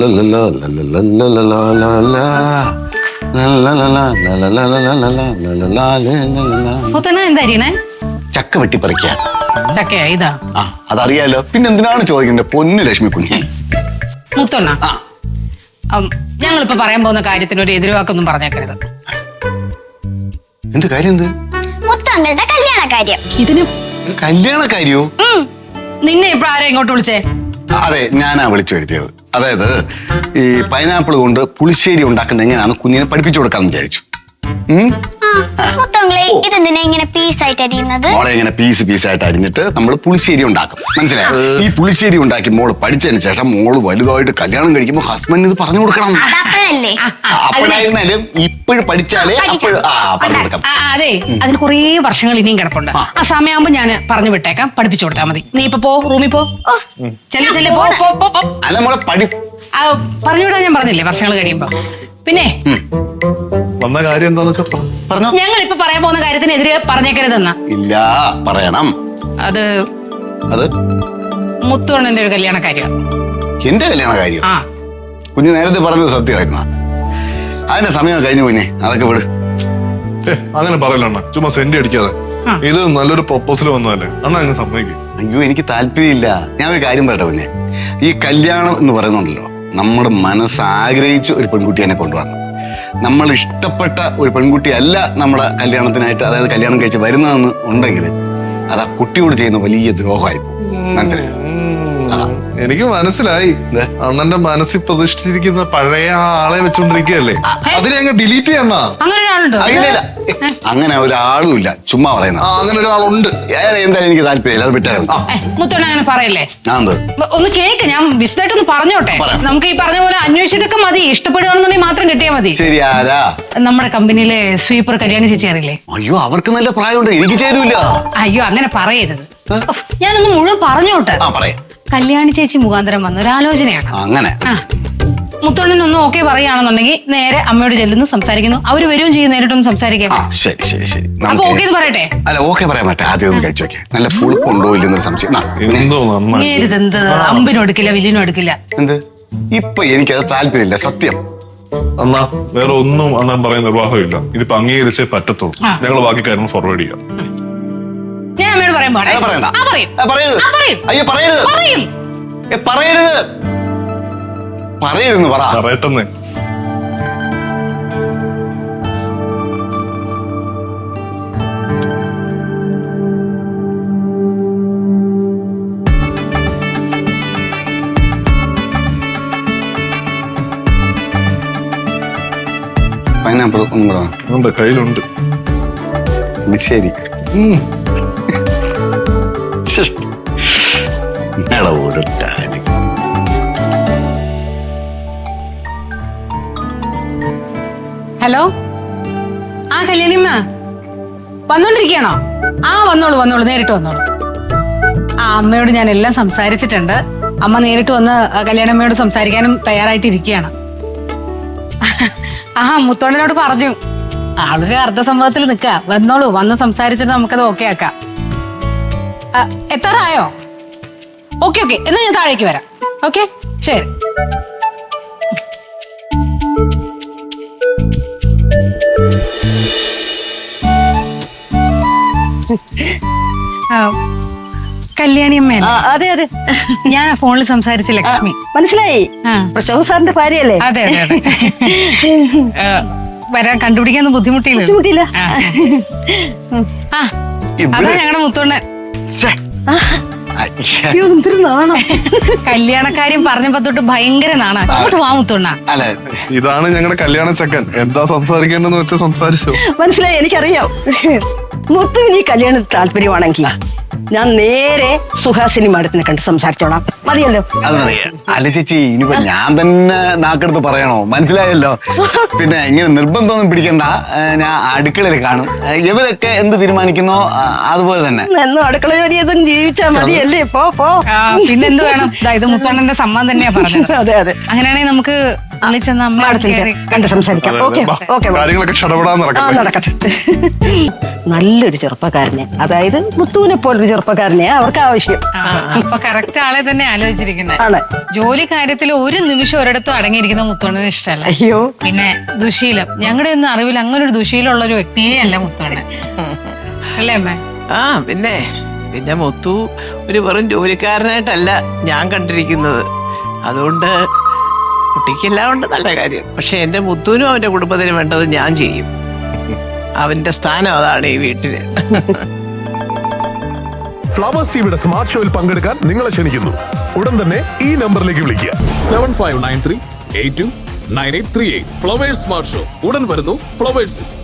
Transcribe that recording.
ചക്ക വെട്ടിപ്പറിക്കാ. ചക്കയാ ഇതാ? ആ അതറിയാലോ, പിന്നെ എന്തിനാണ് ചോദിക്കുന്നത് പൊന്നു ലക്ഷ്മി കുഞ്ഞെ. മുത്തൊണ്ണ, ഞങ്ങളിപ്പോ പറയാൻ പോകുന്ന കാര്യത്തിന് ഒരു എതിർവാക്കൊന്നും പറഞ്ഞേക്കരുത്. എന്ത് കാര്യം? എന്ത് മുത്തങ്ങളുടെ കല്യാണ കാര്യം? ഇതിന് കല്യാണ കാര്യോ? നിന്നെ ഇപ്പൊ ആരാ ഇങ്ങോട്ട് വിളിച്ചേ? അതെ, ഞാനാ വിളിച്ചു വരുത്തിയത്. അതായത് ഈ പൈനാപ്പിൾ കൊണ്ട് പുളിശ്ശേരി ഉണ്ടാക്കുന്ന എങ്ങനെയാണെന്ന് കുഞ്ഞിനെ പഠിപ്പിച്ചു കൊടുക്കാന്ന് വിചാരിച്ചു. മുത്തങ്ങളെ ഇതെന്തിനാ ഇങ്ങനെ പീസായിട്ട് അരിയുന്നത്? മോളെ ഇങ്ങനെ പീസായിട്ട് അരിഞ്ഞിട്ട് നമ്മൾ പുളിശ്ശേരി ഉണ്ടാക്കും, മനസ്സിലായോ? ഈ പുളിശ്ശേരി ഉണ്ടാക്കി മോള് പഠിച്ചതിന് ശേഷം മോള് വലുതായിട്ട് കല്യാണം കഴിക്കുമ്പോ ഹസ്ബൻഡിന് ഇത് പറഞ്ഞു കൊടുക്കണം. അപ്പോഴായിരുന്നാലും ഇപ്പോഴും പഠിച്ചാലേ പറഞ്ഞു കൊടുക്കാം. അതെ, അതിന് കുറേ വർഷങ്ങൾ ഇനിയും കിടപ്പുണ്ട്. ആ സമയമാകുമ്പോ ഞാൻ പറഞ്ഞു വിട്ടേക്കാം, പഠിപ്പിച്ചു കൊടുത്താൽ മതി. നീ ഇപ്പൊ പോ, റൂമിൽ പോ. അല്ല മോളെ പറഞ്ഞു വിടാൻ ഞാൻ പറഞ്ഞില്ലേ, വർഷങ്ങൾ കഴിയുമ്പോ. പിന്നെ വന്ന കാര്യം എന്താന്ന് പറഞ്ഞോ. ഞങ്ങൾ ഇപ്പൊ പറയാൻ പോകുന്ന കാര്യത്തിനെതിരെ പറഞ്ഞേക്കരുതെന്നാ. ഇല്ല, പറയണം. അത് മുത്തുവണ്ണന്റെ ഒരു കല്യാണ കാര്യം. എന്റെ കല്യാണ കാര്യം? കുഞ്ഞ് നേരത്തെ പറഞ്ഞത് സത്യമായിരുന്ന? അതിന്റെ സമയം കഴിഞ്ഞു കുഞ്ഞെ, അതൊക്കെ വിട്. അങ്ങനെ പറയലണ്ണ, ചുമ്മാ സെന്റ് അടിക്കാതെ. ഇത് നല്ലൊരു പ്രൊപ്പോസൽ വന്നതല്ലേ അണ്ണ, അങ്ങനെ സമ്മതിക്കും. അയ്യോ, എനിക്ക് താല്പര്യമില്ല. ഞാൻ ഒരു കാര്യം പറയട്ടെ കുഞ്ഞെ, ഈ കല്യാണം എന്ന് പറയുന്നുണ്ടല്ലോ, നമ്മുടെ മനസ്സാഗ്രഹിച്ച് ഒരു പെൺകുട്ടിയെ കൊണ്ടുവരണം. നമ്മൾ ഇഷ്ടപ്പെട്ട ഒരു പെൺകുട്ടിയല്ല നമ്മുടെ കല്യാണത്തിനായിട്ട്, അതായത് കല്യാണം കഴിച്ച് വരുന്നതെന്ന് ഉണ്ടെങ്കിൽ അത് ആ കുട്ടിയോട് ചെയ്യുന്ന വലിയ ദ്രോഹമായി പോകും, മനസ്സിലായോ? എനിക്ക് മനസ്സിലായി. അണ്ണന്റെ മനസ്സിൽ പ്രതിഷ്ഠിച്ചിരിക്കുന്ന പഴയ ആളെ വെച്ചോണ്ടിരിക്കുകയല്ലേ, അതിനെ അങ്ങ് ഡിലീറ്റ് ചെയ്യണ. അങ്ങനെ ഒരാളും ഇല്ല, ചുമ്മാ പറയുന്ന. അങ്ങനെ ഒരാളുണ്ട്. എന്തായാലും എനിക്ക് താല്പര്യമില്ല, അത് വിട്ടായിരുന്നു. മുത്തോണ്ണ അങ്ങനെ പറയല്ലേ. ഒന്ന് കേക്ക്, ഞാൻ വിശദമായിട്ടൊന്ന് പറഞ്ഞോട്ടെ. നമുക്ക് ഈ പറഞ്ഞ പോലെ അന്വേഷിച്ചിട്ടൊക്കെ മതി, ഇഷ്ടപ്പെടുകയാണെന്നുണ്ടെങ്കിൽ മാത്രം കിട്ടിയാൽ മതി. ശരി. ആരാ? നമ്മുടെ കമ്പനിയിലെ സ്വീപ്പർ കല്യാണി ചേച്ചി അറിയില്ലേ? അയ്യോ, അവർക്ക് നല്ല പ്രായമുണ്ട്, എനിക്ക് ചേരൂല. അയ്യോ, അങ്ങനെ പറയരുത്. ഞാനൊന്ന് മുഴുവൻ പറഞ്ഞോട്ടെ. കല്യാണി ചേച്ചി മുഖാന്തരം വന്ന ഒരു ആലോചനയാണ്. അങ്ങനെ മുത്തോണ്ണനൊന്നും ഓക്കെ പറയുകയാണെന്നുണ്ടെങ്കിൽ നേരെ അമ്മയോട് ചെല്ലുന്നു, സംസാരിക്കുന്നു. അവര് വരികയും ചെയ്യും, നേരിട്ടൊന്ന് സംസാരിക്കാം. ശരി. അപ്പൊ ഓക്കെ പറയട്ടെ? അല്ല, ഓക്കെ പറയാൻ പറ്റേ. ആദ്യം ഒന്ന് കഴിച്ചു നോക്കിയാ നല്ല പുളിപ്പുണ്ടോ ഇല്ലെന്നൊരു സംശയം. അമ്പിനും എടുക്കില്ല, വില്ലിനും എടുക്കില്ല. എന്ത്? ഇപ്പൊ എനിക്കത് താല്പര്യമില്ല, സത്യം. അണ്ണാ, വേറെ ഒന്നും അണ്ണൻ പറയുന്ന നിർവാഹമില്ല. ഇതിപ്പോ അംഗീകരിച്ചേ പറ്റത്തുള്ളൂ. ഞങ്ങൾ ബാക്കി കാര്യങ്ങൾ ഫോർവേഡ് ചെയ്യാം. ഞാൻ അമ്മയോട് പറയാൻ പറയരുതെന്ന് പറ. പറയട്ടെന്ന്. പൈനാപ്പിൾ ഒന്നും കൂടെ കയ്യിലുണ്ട്. ശരി. ഒരു കാര്യം. ഹലോ, കല്യാണിമ്മ വന്നോണ്ടിരിക്കണോ? വന്നോളൂ, നേരിട്ട് വന്നോളൂ. അമ്മയോട് ഞാൻ എല്ലാം സംസാരിച്ചിട്ടുണ്ട്. അമ്മ നേരിട്ട് വന്ന് കല്യാണമ്മയോട് സംസാരിക്കാനും തയ്യാറായിട്ടിരിക്കുകയാണ്. മുത്തോണ്ണനോട് പറഞ്ഞു, ആളൊരു അർദ്ധസംഭവത്തിൽ നിൽക്കുക. വന്നോളൂ, വന്ന് സംസാരിച്ചിട്ട് നമുക്കത് ഓക്കെ ആക്കാം. എത്താറായോ? ഓക്കെ, എന്നാ ഞാൻ താഴേക്ക് വരാം. ഓക്കെ, ശരി. കല്യാണിയമ്മ? അതെ, ഞാൻ ഫോണിൽ സംസാരിച്ച ലക്ഷ്മി. മനസ്സിലായി, പ്രശോഭ സാറിന്റെ ഭാര്യയല്ലേ? അതെ. വരാൻ കണ്ടുപിടിക്കാൻ ബുദ്ധിമുട്ടില്ല. അതാ ഞങ്ങളുടെ മുത്തോണ്ണൻ. കല്യാണക്കാര്യം പറഞ്ഞപ്പോ തൊട്ട് ഭയങ്കര നാണാ. അങ്ങോട്ട് വാ മുത്തോണ്ണ. ഇതാണ് ഞങ്ങളുടെ കല്യാണ ചക്കൻ. എന്താ സംസാരിക്കേണ്ടെന്ന് വെച്ചാൽ സംസാരിച്ചു. മനസ്സിലായി, എനിക്കറിയാം. മുത്തുവിന് ഈ കല്യാണത്തിന് താല്പര്യമാണെങ്കിൽ ഞാൻ നേരെ സുഹാസിനി മാഡത്തിനെ കണ്ട് സംസാരിച്ചോളാം. മതിയല്ലോ? അത് മതി. അല്ല ചേച്ചി, ഇനിയിപ്പോ ഞാൻ തന്നെ നാക്കെടുത്ത് പറയണോ? മനസ്സിലായല്ലോ. പിന്നെ ഇങ്ങനെ നിർബന്ധമൊന്നും പിടിക്കണ്ട. ഞാൻ അടുക്കളയിൽ കാണും. ഇവരൊക്കെ എന്ത് തീരുമാനിക്കുന്നോ അതുപോലെ തന്നെ. എന്നും അടുക്കള ജോലി ചെയ്തും ജീവിച്ചാ മതിയല്ലേ? പോ. പിന്നെന്ത് വേണം? ഇത് മുത്തോണ്ണന്റെ സമ്മതം തന്നെയാ പറഞ്ഞത്. അതെ. അങ്ങനെയാണെങ്കിൽ നമുക്ക് വിളിച്ചെന്ന് അമ്മ മാഡത്തിന് കയറി. കണ്ട് സംസാരിക്കാം. ഓക്കെ ബാ, ഓക്കെ കാര്യങ്ങളൊക്കെ ക്ഷണപ്പെടാൻ നടക്കട്ടെ. നടക്കട്ടെ. നല്ലൊരു ചെറുപ്പക്കാരനെ, അതായത് മുത്തുവിനെ പോലൊരു ചെറുപ്പക്കാരനെ അവർക്ക് ആവശ്യം. അപ്പൊ കറക്റ്റ് ആളെ തന്നെ ആലോചിച്ചിരിക്കുന്നത്. ആണ്. ജോലി കാര്യത്തിൽ ഒരു നിമിഷം ഒരിടത്തും അടങ്ങിയിരിക്കുന്ന മുത്തോണ്ണന് ഇഷ്ടമല്ല. അയ്യോ, പിന്നെ ദുശീലം, ഞങ്ങളുടെ ഒന്നും അറിവിൽ അങ്ങനെ ഒരു ദുശീലമുള്ള ഒരു വ്യക്തിയേ അല്ല മുത്തോണ്ണൻ. അല്ലേ അമ്മേ? ആ പിന്നെ പിന്നെ മുത്തു ഒരു വെറും ജോലിക്കാരനായിട്ടല്ല ഞാൻ കണ്ടിരിക്കുന്നത്. അതുകൊണ്ട് കുട്ടിക്കെല്ലാം ഉണ്ട് നല്ല കാര്യം. പക്ഷെ എന്റെ മുത്തുവിനും അവന്റെ കുടുംബത്തിനും വേണ്ടത് ഞാൻ ചെയ്യും. അവന്റെ സ്ഥാനം അതാണ് ഈ വീട്ടില്. ഫ്ലവേഴ്സ് ടിവിയുടെ സ്മാർട്ട് ഷോയിൽ പങ്കെടുക്കാൻ നിങ്ങളെ ക്ഷണിക്കുന്നു. ഉടൻ തന്നെ ഈ നമ്പറിലേക്ക് വിളിക്കുക. 7593829838. ഫ്ലവേഴ്സ് സ്മാർട്ട് ഷോ ഉടൻ വരുന്നു ഫ്ലവേഴ്സ്.